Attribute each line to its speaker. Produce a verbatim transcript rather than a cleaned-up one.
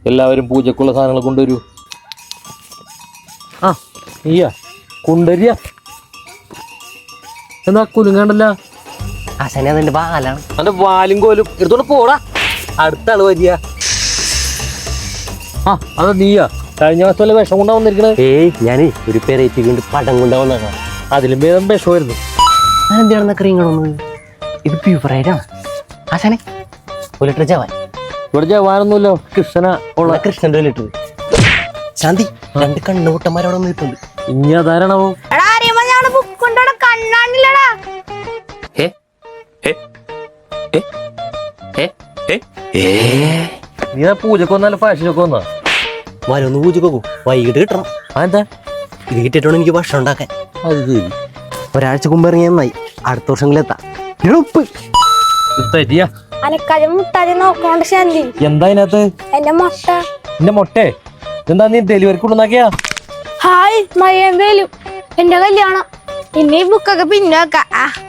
Speaker 1: എല്ലാവരും പൂജക്കുള്ള സാധനങ്ങൾ കൊണ്ടുവരൂ. ആ നീയാ കൊണ്ടുവരിക. എന്നാ കുലുങ്ങണ്ടല്ല.
Speaker 2: ആശാനെ അതിന്റെ പാലാണ്.
Speaker 1: അവന്റെ വാലും കോലും എടുത്തോണ്ട് പോടാ. അടുത്ത ആള് വരിക. ആ അതാ നീയാ കഴിഞ്ഞ മാസം വല്ല വിഷം കൊണ്ടാ വന്നിരിക്കണേ.
Speaker 2: ഏയ് ഞാനേ ഒരു പെരേറ്റി കൊണ്ട് പടം കൊണ്ടാവുന്നതാണ്.
Speaker 1: അതിലും ഭേദം വിഷമായിരുന്നു.
Speaker 2: അതെന്താണെന്ന ക്രീങ്ങളൊന്നും ഇത് പ്യൂഫറായിട്ടാണ്. ആശാനെ ഒരു ലിറ്റർ ജവാൻ.
Speaker 1: ഇവിടെ ജവാനൊന്നുമില്ലോ, കൃഷ്ണനാ ഉള്ള.
Speaker 2: കൃഷ്ണന്റെ ഒരു ലിറ്റർ. ശാന്തി രണ്ട് കണ്ണുകൂട്ടന്മാരോടെ നിൽക്കുന്നുണ്ട്.
Speaker 1: ഇനി അതാരണോ? നീ പൂജക്ക് വന്നാലും ഫാഷനൊക്കെ വന്നാ
Speaker 2: വരൊന്ന് പൂജക്കോക്കൂ. വൈകിട്ട് കിട്ടണം.
Speaker 1: അതെന്താ?
Speaker 2: ഇത് കിട്ടിയിട്ടാണ് എനിക്ക് ഭക്ഷണം ഉണ്ടാക്കാൻ.
Speaker 1: അത് ശരി.
Speaker 2: ഒരാഴ്ച മുമ്പ് ഇറങ്ങിയ നന്നായി. അടുത്ത വർഷങ്ങളിൽ എത്താം. ഉപ്പ്
Speaker 1: എന്താ ഇതിനകത്ത്? എന്റെ മൊട്ടേ എന്താ നീ ഡെലിവറി കൊണ്ടുവന്നാക്കിയാ?
Speaker 3: ഹായ് മയ്യന്തേലും എന്റെ കല്യാണം ഇനി ബുക്കൊക്കെ പിന്നെ വെക്കാം.